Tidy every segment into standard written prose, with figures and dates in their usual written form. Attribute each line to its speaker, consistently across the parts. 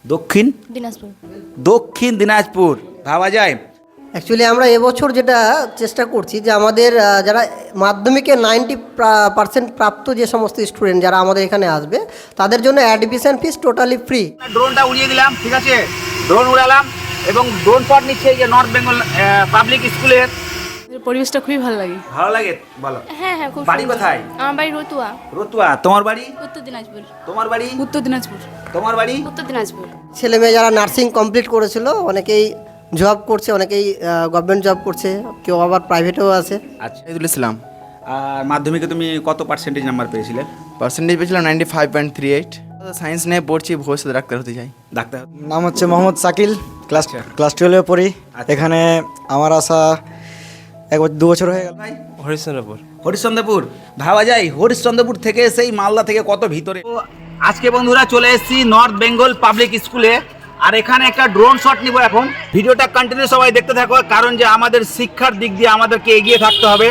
Speaker 1: দক্ষিণ
Speaker 2: দিনাজপুর।
Speaker 1: দক্ষিণ দিনাজপুর ভাবা যায়।
Speaker 3: অ্যাকচুয়ালি আমরা এবছর যেটা চেষ্টা করছি যে আমাদের যারা মাধ্যমিকে 90% প্রাপ্ত যে সমস্ত স্টুডেন্ট যারা আমাদের এখানে আসবে তাদের জন্য অ্যাডমিশন ফিস টোটালি ফ্রি।
Speaker 1: ড্রোনটা উড়িয়ে দিলাম, ঠিক আছে, ড্রোন উড়ালাম এবং ড্রোন শট নিচ্ছে এই যে নর্থ বেঙ্গল পাবলিক স্কুলের।
Speaker 2: পরিবেশটা খুবই ভালো লাগে।
Speaker 1: ভালো লাগে বলো।
Speaker 2: হ্যাঁ হ্যাঁ, খুব
Speaker 1: বাড়ি
Speaker 2: সুন্দর।
Speaker 1: কোথায়?
Speaker 2: আমার বাড়ি রতুয়া,
Speaker 1: রতুয়া। তোমার বাড়ি?
Speaker 2: উত্তর দিনাজপুর।
Speaker 1: তোমার বাড়ি?
Speaker 2: উত্তর দিনাজপুর।
Speaker 1: তোমার বাড়ি?
Speaker 2: উত্তর দিনাজপুর।
Speaker 3: ছেলে মেয়ে যারা নার্সিং কমপ্লিট করেছিল অনেকেই জব করছে, অনেকেই গভর্নমেন্ট জব করছে, কেউ আবার প্রাইভেটেও আছে।
Speaker 1: আচ্ছা,
Speaker 4: শহীদুল ইসলাম।
Speaker 1: আর মাধ্যমিকে তুমি কত পার্সেন্টেজ নাম্বার পেয়েছিলে?
Speaker 4: পার্সেন্টেজ পেয়েছিলাম 95.38। সায়েন্স নিয়ে পড়ছি, ভবিষ্যতে ডাক্তার হতে চাই।
Speaker 1: ডাক্তার।
Speaker 5: নাম হচ্ছে মোহাম্মদ শাকিল, ক্লাস
Speaker 1: আচ্ছা।
Speaker 5: ক্লাস 12-এ পড়ি।
Speaker 1: আচ্ছা।
Speaker 5: এখানে আমার আসা 2 বছর হয়ে গেল।
Speaker 1: ভাই
Speaker 6: হরিশ্চন্দ্রপুর।
Speaker 1: হরিশ্চন্দ্রপুর ভাবা যায়। হরিশ্চন্দ্রপুর থেকে সেই মালদা থেকে কত ভিতরে। তো আজকে বন্ধুরা চলে এসেছি নর্থ বেঙ্গল পাবলিক স্কুলে, আর এখানে একটা ড্রোন শট নিব এখন। ভিডিওটা কন্টিনিউ সবাই দেখতে থাকো, কারণ যে আমাদের শিক্ষার দিক দিয়ে আমাদেরকে এগিয়ে থাকতে হবে।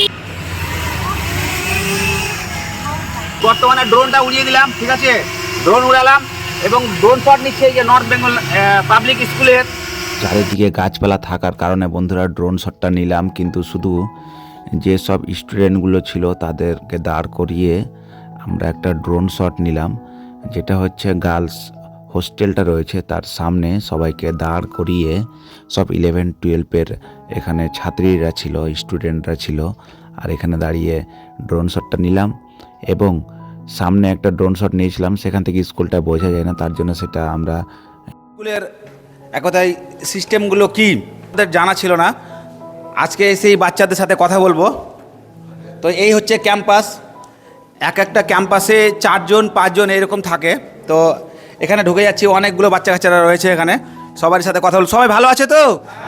Speaker 1: বর্তমানে ড্রোনটা উড়িয়ে দিলাম, ঠিক আছে, ড্রোন উড়ালাম এবং ড্রোন শট নিচ্ছে এই যে নর্থ বেঙ্গল পাবলিক স্কুলের।
Speaker 7: চারিদিকে গাছপালা থাকার কারণে বন্ধুরা ড্রোন শটটা নিলাম, কিন্তু শুধু যেসব স্টুডেন্টগুলো ছিল তাদেরকে দাঁড় করিয়ে আমরা একটা ড্রোন শট নিলাম, যেটা হচ্ছে গার্লস হোস্টেলটা রয়েছে তার সামনে সবাইকে দাঁড় করিয়ে সব 11-12-এর এখানে ছাত্রীরা ছিল, স্টুডেন্টরা ছিল, আর এখানে দাঁড়িয়ে ড্রোন শটটা নিলাম। এবং সামনে একটা ড্রোন শট নিয়েছিলাম, সেখান থেকে স্কুলটা বোঝা যায় না, তার জন্য সেটা আমরা
Speaker 1: স্কুলের এক কথায় সিস্টেমগুলো কি আমাদের জানা ছিল না। আজকে সেই বাচ্চাদের সাথে কথা বলবো। তো এই হচ্ছে ক্যাম্পাস। এক একটা ক্যাম্পাসে 4জন-5জন এরকম থাকে। তো এখানে ঢুকে যাচ্ছি, অনেকগুলো বাচ্চা কাচ্চারা রয়েছে এখানে, সবার সাথে কথা বল। সবাই ভালো আছে তো?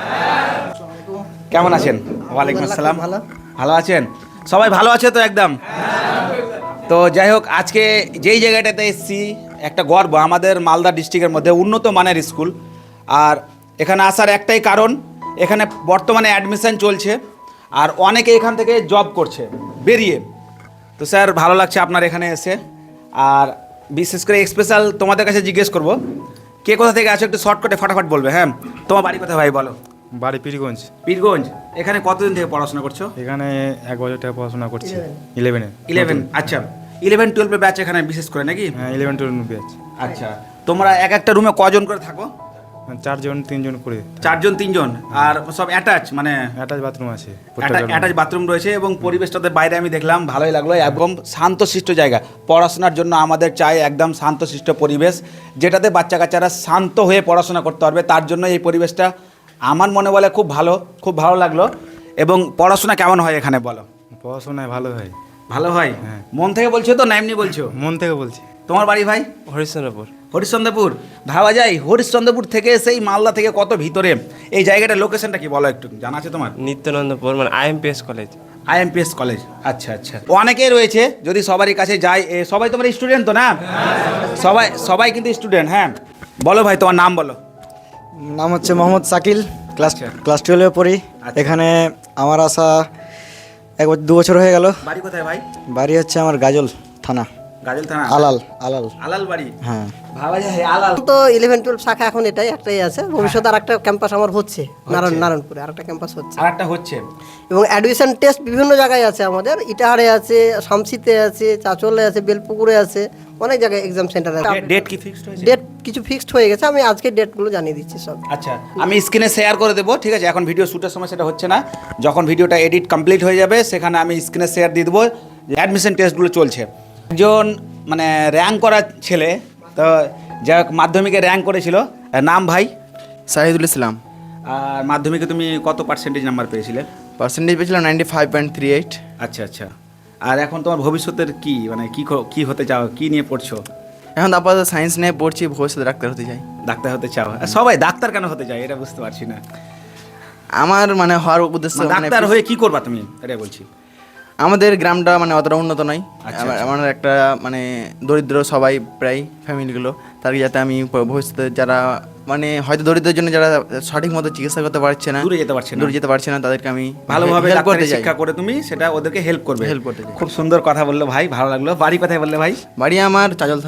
Speaker 1: কেমন আছেন? ওয়ালাইকুম আসসালাম।
Speaker 3: ভালো।
Speaker 1: ভালো আছেন? সবাই ভালো আছে তো একদম? তো যাই হোক, আজকে যেই জায়গাটাতে এসেছি একটা গর্ব আমাদের মালদা ডিস্ট্রিক্টের মধ্যে, উন্নত মানের স্কুল। আর এখানে আসার একটাই কারণ, এখানে বর্তমানে অ্যাডমিশন চলছে আর অনেকে এখান থেকে জব করছে বেরিয়ে। তো স্যার ভালো লাগছে আপনার এখানে এসে। আর বিশেষ করে স্পেশাল তোমাদের কাছে জিজ্ঞেস করব, কে কোথা থেকে আছো একটু শর্টকাটে ফাটাফাট বলবে। হ্যাঁ, তোমার বাড়ি কোথায় ভাই বলো?
Speaker 6: বাড়ি পীরগঞ্জ।
Speaker 1: পীরগঞ্জ। এখানে কতদিন থেকে পড়াশোনা করছো?
Speaker 6: এখানে 1 বছর থেকে পড়াশোনা করছি। 11-এ।
Speaker 1: 11। আচ্ছা, 11-12 ব্যাচ এখানে বিশেষ করে নাকি?
Speaker 6: হ্যাঁ, 11-12 ব্যাচ।
Speaker 1: আচ্ছা, তোমরা এক একটা রুমে কজন করে থাকো?
Speaker 6: 4-3 করে।
Speaker 1: 4-3 আর সব অ্যাটাচ, মানে
Speaker 6: অ্যাটাচ বাথরুম আছে।
Speaker 1: অ্যাটাচ বাথরুম রয়েছে এবং পরিবেশটাতে বাইরে আমি দেখলাম, ভালোই লাগলো। একদম শান্তশিষ্ট জায়গা। পড়াশোনার জন্য আমাদের চাই একদম শান্তশিষ্ট পরিবেশ, যেটাতে বাচ্চা কাচ্চারা শান্ত হয়ে পড়াশোনা করতে পারবে। তার জন্য এই পরিবেশটা আমার মনে বলে খুব ভালো, খুব ভালো লাগলো। এবং পড়াশোনা কেমন হয় এখানে বলো?
Speaker 6: পড়াশোনায় ভালো হয়।
Speaker 1: ভালো হয়?
Speaker 6: হ্যাঁ।
Speaker 1: মন থেকে বলছো তো না এমনি বলছো?
Speaker 6: মন থেকে বলছি।
Speaker 1: তোমার বাড়ি ভাই?
Speaker 6: হরিশ্চন্দ্রপুর।
Speaker 1: হরিশ্চন্দ্রপুর। ভাবা যায় হরিশ্চন্দ্রপুর থেকে সেই মালদা থেকে কত ভিতরে। এই জায়গাটার লোকেশনটা কি বলো একটু, জানা আছে তোমার?
Speaker 8: নিত্যানন্দপুর, মানে IMPS কলেজ।
Speaker 1: IMPS college. আচ্ছা আচ্ছা, অনেকেই রয়েছে, যদি সবারই কাছে যাই। সবাই তোমার স্টুডেন্ট তো না? সবাই কিন্তু স্টুডেন্ট। হ্যাঁ বলো ভাই, তোমার নাম বলো।
Speaker 5: নাম হচ্ছে মোহাম্মদ শাকিল, ক্লাস
Speaker 1: আচ্ছা।
Speaker 5: ক্লাস 12-এ পড়ি।
Speaker 1: আচ্ছা।
Speaker 5: এখানে আমার আসা 2 বছর হয়ে গেল।
Speaker 1: বাড়ি কোথায় ভাই?
Speaker 5: বাড়ি হচ্ছে আমার গাজল থানা,
Speaker 1: গাজল থানা।
Speaker 5: আলাল।
Speaker 1: আলাল বাড়ি।
Speaker 5: হ্যাঁ।
Speaker 1: ভাবা যায় আলাল।
Speaker 3: তো 11-12 শাখা এখন একটাই আছে। ভবিষ্যতে আর একটা ক্যাম্পাস আমার হচ্ছে নারায়ণপুরে, আর একটা ক্যাম্পাস হচ্ছে।
Speaker 1: আর একটা হচ্ছে।
Speaker 3: এবং অ্যাডমিশন টেস্ট বিভিন্ন জায়গায় আছে আমাদের, ইটাহারে আছে, শামসিতে আছে, চাচলে আছে, বেলপুকুরে আছে, অনেক জায়গায় এক্সাম সেন্টার আছে।
Speaker 1: ডেট কি ফিক্সড হয়েছে?
Speaker 3: ডেট কিছু ফিক্সড হয়ে গেছে, আমি আজকে ডেটগুলো জানিয়ে দিচ্ছি সব।
Speaker 1: আচ্ছা, আমি স্ক্রিনে শেয়ার করে দেবো, ঠিক আছে? এখন ভিডিও শ্যুটের সময় সেটা হচ্ছে না, যখন ভিডিওটা এডিট কমপ্লিট হয়ে যাবে সেখানে আমি স্ক্রিনে শেয়ার দিয়ে দেবো। অ্যাডমিশন টেস্টগুলো চলছে। একজন মানে র্যাঙ্ক করা ছেলে, তো যা মাধ্যমিকে র্যাঙ্ক করেছিল, নাম ভাই?
Speaker 4: শহীদুল ইসলাম।
Speaker 1: আর মাধ্যমিকে তুমি কত পার্সেন্টেজ নাম্বার পেয়েছিলে?
Speaker 4: পার্সেন্টেজ পেয়েছিলাম 95.38।
Speaker 1: আচ্ছা আচ্ছা। আর এখন তোমার ভবিষ্যতের কি, মানে কি হতে চাও, কি নিয়ে পড়ছো?
Speaker 4: এখন আপাতত সায়েন্স নিয়ে পড়ছি, ভবিষ্যতে ডাক্তার হতে চাই।
Speaker 1: ডাক্তার হতে চাও? আর সবাই ডাক্তার কেন হতে চায় এটা বুঝতে পারছি না।
Speaker 4: আমার মানে হওয়ার উদ্দেশ্য
Speaker 1: মানে ডাক্তার হয়ে কি করবা তুমি, এটা বলছি।
Speaker 4: আমাদের গ্রামটা মানে অতটা উন্নত নয়।
Speaker 1: আচ্ছা,
Speaker 4: আমার একটা মানে দরিদ্র সবাই প্রায় ফ্যামিলিগুলো, তাদেরকে যাতে আমি ভবিষ্যতে যারা মানে হয়তো দরিদ্রের জন্য যারা সঠিক মতো চিকিৎসা করতে পারছে না,
Speaker 1: দূরে যেতে পারছে না,
Speaker 4: তাদেরকে আমি
Speaker 1: ভালোভাবে
Speaker 4: help
Speaker 1: ডাক্তারি
Speaker 4: করতে চাই।
Speaker 1: শিক্ষা করে তুমি সেটা ওদেরকে হেল্প করবে।
Speaker 4: Help করতে চাই।
Speaker 1: খুব সুন্দর কথা বললো ভাই, ভালো লাগলো। বাড়ি কোথায় বললে ভাই?
Speaker 4: বাড়ি আমার চাজল থানায়।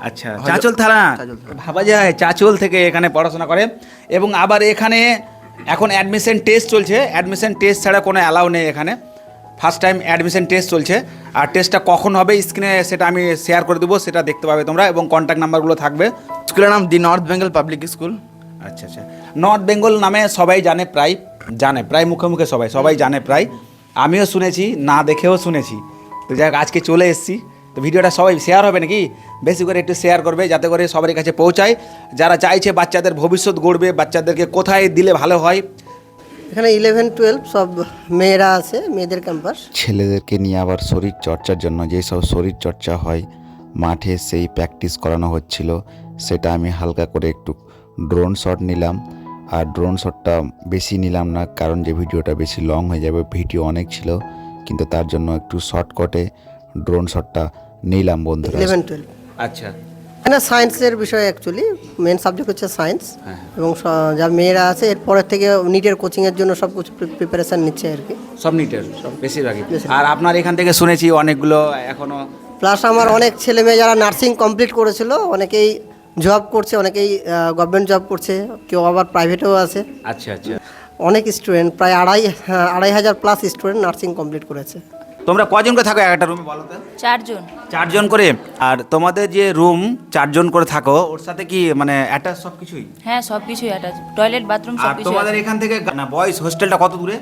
Speaker 1: আচ্ছা, চাঁচল থানা,
Speaker 4: চাঁচল থানা।
Speaker 1: ভাবা যায় চাঁচল থেকে এখানে পড়াশোনা করে। এবং আবার এখানে এখন অ্যাডমিশন টেস্ট চলছে, অ্যাডমিশন টেস্ট ছাড়া কোনো অ্যালাউ নেই এখানে। ফার্স্ট টাইম অ্যাডমিশন টেস্ট চলছে, আর টেস্টটা কখন হবে স্ক্রিনে সেটা আমি শেয়ার করে দেবো, সেটা দেখতে পাবে তোমরা, এবং কন্ট্যাক্ট নাম্বারগুলো থাকবে।
Speaker 4: স্কুলের নাম the North Bengal public school.
Speaker 1: আচ্ছা আচ্ছা, নর্থ বেঙ্গল নামে সবাই জানে, প্রায় মুখে মুখে সবাই জানে প্রায়, আমিও শুনেছি, না দেখেও শুনেছি। তো যাই হোক, আজকে চলে এসেছি, তো ভিডিওটা সবাই শেয়ার হবে নাকি, বেশি করে একটু শেয়ার করবে যাতে করে সবার কাছে পৌঁছায়, যারা চাইছে বাচ্চাদের ভবিষ্যৎ গড়বে, বাচ্চাদেরকে কোথায় দিলে ভালো হয়।
Speaker 3: এখানে 11-12 সব মেয়েরা আছে, মেয়েদের ক্যাম্পাস।
Speaker 7: ছেলেদেরকে নিয়ে আবার শরীর চর্চার জন্য যেসব শরীর চর্চা হয় মাঠে, সেই প্র্যাকটিস করানো হচ্ছিল, সেটা আমি হালকা করে একটু ড্রোন শট নিলাম। আর ড্রোন শটটা বেশি নিলাম না, কারণ যে ভিডিওটা বেশি লং হয়ে যাবে, ভিডিও অনেক ছিল, কিন্তু তার জন্য একটু শর্টকাটে ড্রোন শটটা নিলাম বন্ধুরা।
Speaker 3: 11-12
Speaker 1: আচ্ছা,
Speaker 3: এখানে সায়েন্সের বিষয়, অ্যাকচুয়ালি মেন সাবজেক্ট হচ্ছে সায়েন্স। এবং যা মেয়েরা আছে এরপরের থেকে নিটের কোচিংয়ের জন্য সব কিছু প্রিপারেশান নিচ্ছে আর কি।
Speaker 1: সব নিটের সব বেশিরভাগই। আর আপনার এখান থেকে শুনেছি অনেকগুলো এখনো,
Speaker 3: প্লাস আমার অনেক ছেলে মেয়ে যারা নার্সিং কমপ্লিট করেছিল, অনেকেই জব করছে, অনেকেই গভর্নমেন্ট জব করছে, কেউ আবার প্রাইভেটেও আছে।
Speaker 1: আচ্ছা আচ্ছা,
Speaker 3: অনেক স্টুডেন্ট, প্রায় 2,500 প্লাস স্টুডেন্ট নার্সিং কমপ্লিট করেছে।
Speaker 1: তোমরা কজন করে থাকো একটা রুমে বলো তো?
Speaker 2: 4 জন।
Speaker 1: 4 জন করে। আর তোমাদের যে রুম 4 জন করে থাকো, ওর সাথে কি মানে অ্যাটাচ সব কিছুই?
Speaker 2: হ্যাঁ, সব কিছুই অ্যাটাচ, টয়লেট, বাথরুম
Speaker 1: আর তোমাদের এখান থেকে না বয়েজ হোস্টেলটা কত দূরে?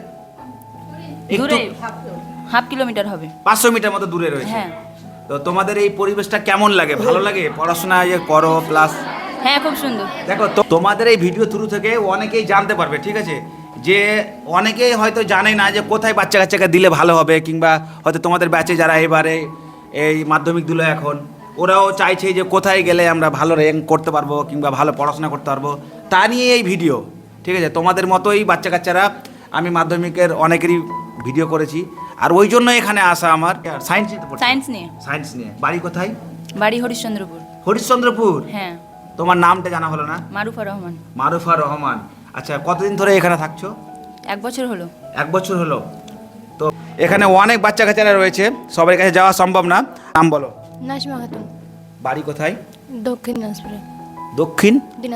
Speaker 1: একটু
Speaker 2: দূরে 1/2 কিলোমিটার হবে।
Speaker 1: 500 মিটার মতো দূরে রয়েছে।
Speaker 2: হ্যাঁ।
Speaker 1: তো তোমাদের এই পরিবেশটা কেমন লাগে? ভালো লাগে পড়াশোনা যে করো প্লাস?
Speaker 2: হ্যাঁ, খুব সুন্দর।
Speaker 1: দেখো তোমাদের এই ভিডিও থ্রু থেকে অনেকেই জানতে পারবে, ঠিক আছে, যে অনেকেই হয়তো জানে না যে কোথায় বাচ্চা কাচ্চাকে দিলে ভালো হবে, কিংবা হয়তো তোমাদের ব্যাচে যারা এবারে এই মাধ্যমিক দিল এখন, ওরাও চাইছে যে কোথায় গেলে আমরা ভালো র্যাঙ্ক করতে পারবো কিংবা ভালো পড়াশোনা করতে পারবো, তা নিয়ে এই ভিডিও, ঠিক আছে। তোমাদের মতোই বাচ্চা কাচ্চারা, আমি মাধ্যমিকের অনেকেরই ভিডিও করেছি, আর ওই জন্য এখানে আসা আমার। সায়েন্স নিয়ে। সায়েন্স নিয়ে। বাড়ি কোথায়?
Speaker 2: বাড়ি হরিশ্চন্দ্রপুর।
Speaker 1: হরিশ্চন্দ্রপুর।
Speaker 2: হ্যাঁ।
Speaker 1: তোমার নামটা জানা হলো না?
Speaker 2: মারুফা রহমান।
Speaker 1: মারুফা রহমান। আচ্ছা, কতদিন ধরে এখানে থাকছো?
Speaker 2: 1 বছর হলো।
Speaker 1: 1 বছর হলো। তো এখানে অনেক বাচ্চা কাচ্চারা রয়েছে, সবার কাছে যাওয়া সম্ভব না। নাম বলো।
Speaker 2: নাজমা খাতুন।
Speaker 1: বাড়ি কোথায়?
Speaker 2: দক্ষিণ দিনাজপুরে।
Speaker 1: দক্ষিণ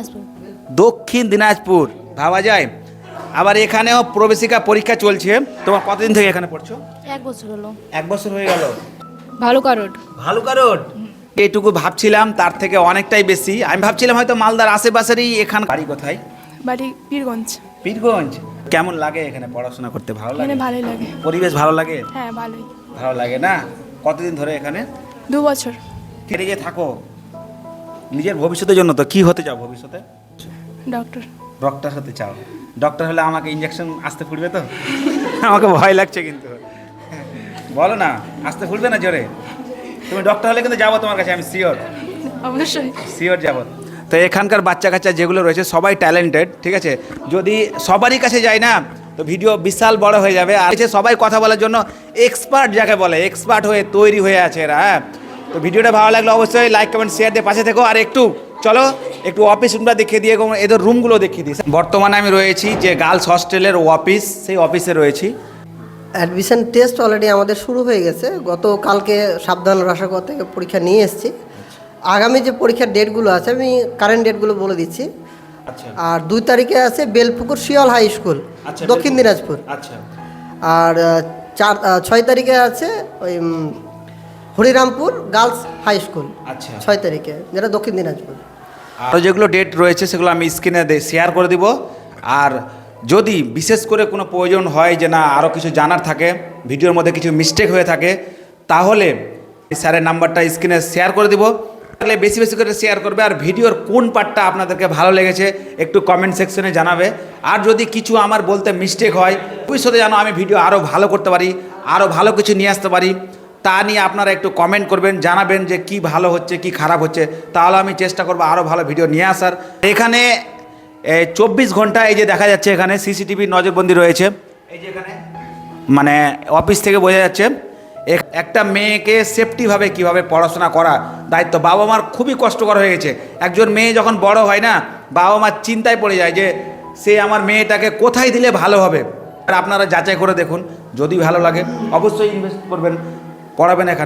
Speaker 1: দিনাজপুর। ভাবা যায়। আবার এখানেও প্রবেশিকা পরীক্ষা চলছে। তোমার কতদিন থেকে এখানে পড়ছো?
Speaker 2: 1 বছর হলো।
Speaker 1: 1 বছর হয়ে গেল।
Speaker 2: ভালুকা রোড।
Speaker 1: ভালুকা রোড। এইটুকু ভাবছিলাম, তার থেকে অনেকটাই বেশি। আমি ভাবছিলাম হয়তো মালদার আশেপাশেরই। এখানে বাড়ি কোথায়?
Speaker 2: বাড়ি পীরগঞ্জ।
Speaker 1: পীরগঞ্জ। কেমন লাগে এখানে পড়াশোনা করতে? ভালো লাগে?
Speaker 2: ভালোই লাগে।
Speaker 1: পরিবেশ ভালো লাগে?
Speaker 2: হ্যাঁ, ভালোই।
Speaker 1: ভালো লাগে না? কতদিন ধরে এখানে?
Speaker 2: 2 বছর।
Speaker 1: কেটে যে থাকো নিজের ভবিষ্যতের জন্য। তো কি হতে চাও ভবিষ্যতে? ডক্টর হতে চাও? ডক্টর হলে আমাকে ইঞ্জেকশন আসতে ফুটবে তো? আমাকে ভয় লাগছে কিন্তু। বলো না, আসতে ফুটবে না জোরে? তুমি ডক্টর হলে কিন্তু যাবো তোমার কাছে, আমি শিওর।
Speaker 2: অবশ্যই।
Speaker 1: শিওর যাবো। তো এখানকার বাচ্চা কাচ্চা যেগুলো রয়েছে সবাই ট্যালেন্টেড, ঠিক আছে। যদি সবারই কাছে যায় না তো ভিডিও বিশাল বড় হয়ে যাবে। আর সবাই কথা বলার জন্য এক্সপার্ট, যাকে বলে এক্সপার্ট হয়ে তৈরি হয়ে আছে এরা। হ্যাঁ, তো ভিডিওটা ভালো লাগলে অবশ্যই লাইক কমেন্ট শেয়ার দিয়ে পাশে থেকো। আর চলো একটু অফিস রুমটা দেখিয়ে দিয়ে, এদের রুমগুলো দেখিয়ে দিই। বর্তমানে আমি রয়েছি যে গার্লস হস্টেলের অফিস, সেই অফিসে রয়েছি।
Speaker 3: অ্যাডমিশন টেস্ট অলরেডি আমাদের শুরু হয়ে গেছে। গতকালকে সাবধান রাসাগর থেকে পরীক্ষা নিয়ে এসেছি। আগামী যে পরীক্ষার ডেটগুলো আছে আমি কারেন্ট ডেটগুলো বলে দিচ্ছি।
Speaker 1: আচ্ছা।
Speaker 3: আর 2 তারিখে আছে বেলপুকুর শিয়াল হাই স্কুল, দক্ষিণ দিনাজপুর।
Speaker 1: আচ্ছা। আর
Speaker 3: 6 তারিখে আছে ওই হরিরামপুর গার্লস হাই স্কুল।
Speaker 1: আচ্ছা।
Speaker 3: 6 তারিখে, যেটা দক্ষিণ দিনাজপুর।
Speaker 1: আরও যেগুলো ডেট রয়েছে সেগুলো আমি স্ক্রিনে শেয়ার করে দিব। আর যদি বিশেষ করে কোনো প্রয়োজন হয় যে না আরও কিছু জানার থাকে, ভিডিওর মধ্যে কিছু মিস্টেক হয়ে থাকে, তাহলে স্যারের নাম্বারটা স্ক্রিনে শেয়ার করে দিব। তাহলে বেশি বেশি করে শেয়ার করবে। আর ভিডিওর কোন পার্টটা আপনাদেরকে ভালো লেগেছে একটু কমেন্ট সেকশনে জানাবে। আর যদি কিছু আমার বলতে মিস্টেক হয়, ভবিষ্যতে যেন আমি ভিডিও আরও ভালো করতে পারি, আরও ভালো কিছু নিয়ে আসতে পারি, তা নিয়ে আপনারা একটু কমেন্ট করবেন, জানাবেন যে কি ভালো হচ্ছে কি খারাপ হচ্ছে। তাহলে আমি চেষ্টা করবো আরও ভালো ভিডিও নিয়ে আসার। এখানে 24 ঘন্টা এই যে দেখা যাচ্ছে এখানে সিসিটিভি নজরবন্দি রয়েছে। এই যে এখানে মানে অফিস থেকে বোঝা যাচ্ছে একটা মেয়েকে সেফটিভাবে কিভাবে পড়াশোনা করা দায়িত্ব বাবা মার খুবই কষ্টকর হয়ে গেছে। একজন মেয়ে যখন বড় হয় না, বাবা মার চিন্তায় পড়ে যায় যে সে আমার মেয়েটাকে কোথায় দিলে ভালো হবে। আর আপনারা যাচাই করে দেখুন, যদি ভালো লাগে অবশ্যই ইনভেস্ট করবেন, পড়াবেন এখানে।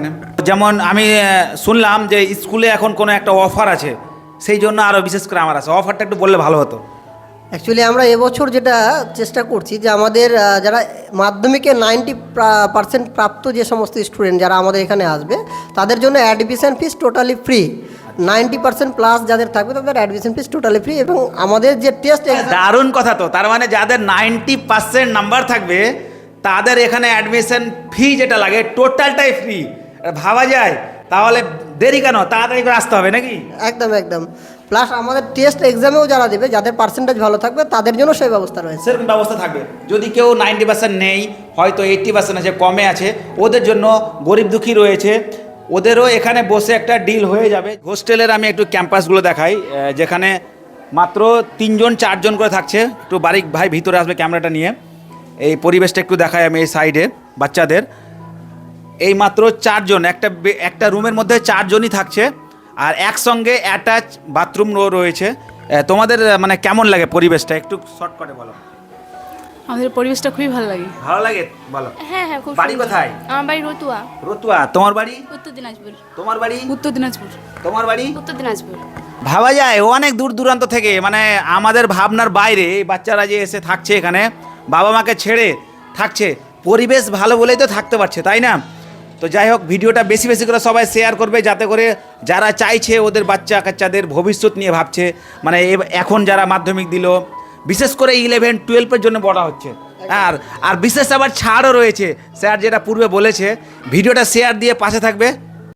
Speaker 1: যেমন আমি শুনলাম যে স্কুলে এখন কোনো একটা অফার আছে, সেই জন্য আরও বিশেষ করে আমার আছে, অফারটা একটু বললে ভালো হতো।
Speaker 3: অ্যাকচুয়ালি আমরা এবছর যেটা চেষ্টা করছি যে আমাদের যারা মাধ্যমিকে 90% প্রাপ্ত যে সমস্ত স্টুডেন্ট যারা আমাদের এখানে আসবে তাদের জন্য admission fees totally free. 90% plus যাদের থাকবে তাদের অ্যাডমিশন ফিস টোটালি ফ্রি, এবং আমাদের যে টেস্ট
Speaker 1: দারুণ কথা তো, তার মানে যাদের 90% নাম্বার থাকবে তাদের এখানে অ্যাডমিশন ফি যেটা লাগে টোটালটাই ফ্রি। ভাবা যায়, তাহলে দেরি কেন, তাড়াতাড়ি করে আসতে হবে নাকি?
Speaker 3: একদম একদম। প্লাস আমাদের টেস্ট এক্সামেও যারা দেবে যাদের পার্সেন্টেজ ভালো থাকবে তাদের জন্য সেই ব্যবস্থা রয়েছে।
Speaker 1: সেরকম ব্যবস্থা থাকবে। যদি কেউ 90% নেই, হয়তো 80% আছে, কমে আছে, ওদের জন্য গরিব দুঃখী রয়েছে, ওদেরও এখানে বসে একটা ডিল হয়ে যাবে। হোস্টেলের আমি একটু ক্যাম্পাসগুলো দেখাই, যেখানে মাত্র 3জন 4জন করে থাকছে। একটু বারিক ভাই ভিতরে আসবে ক্যামেরাটা নিয়ে, এই পরিবেশটা একটু দেখাই আমি এই সাইডে বাচ্চাদের। এই মাত্র 4জন, একটা রুমের মধ্যে 4জনই থাকছে, আর একসঙ্গে অ্যাটাচ বাথরুম রয়েছে। তোমাদের মানে কেমন লাগে পরিবেশটা, একটু শর্ট করে বলো।
Speaker 2: আমাদের পরিবেশটা খুবই ভালো লাগে।
Speaker 1: ভালো লাগে, বলো।
Speaker 2: হ্যাঁ হ্যাঁ, খুব
Speaker 1: বাড়ি কোথায়?
Speaker 2: আমার বাড়ি রতুয়া,
Speaker 1: রতুয়া। তোমার বাড়ি?
Speaker 2: উত্তর দিনাজপুর।
Speaker 1: তোমার বাড়ি?
Speaker 2: উত্তর দিনাজপুর।
Speaker 1: তোমার বাড়ি?
Speaker 2: উত্তর দিনাজপুর।
Speaker 1: ভাবা যায় অনেক দূর দূরান্ত থেকে, মানে আমাদের ভাবনার বাইরে এই বাচ্চারা যে এসে থাকছে এখানে, বাবা মাকে ছেড়ে থাকছে, পরিবেশ ভালো বলেই তো থাকতে পারছে, তাই না? তো যাই হোক, ভিডিওটা বেশি বেশি করে সবাই শেয়ার করবে, যাতে করে যারা চাইছে ওদের বাচ্চা কাচ্চাদের ভবিষ্যৎ নিয়ে ভাবছে, মানে এখন যারা মাধ্যমিক দিল, বিশেষ করে 11-12 জন্য বলা হচ্ছে। আর বিশেষ আবার ছাড়ও রয়েছে, স্যার যেটা পূর্বে বলেছে। ভিডিওটা শেয়ার দিয়ে পাশে থাকবে।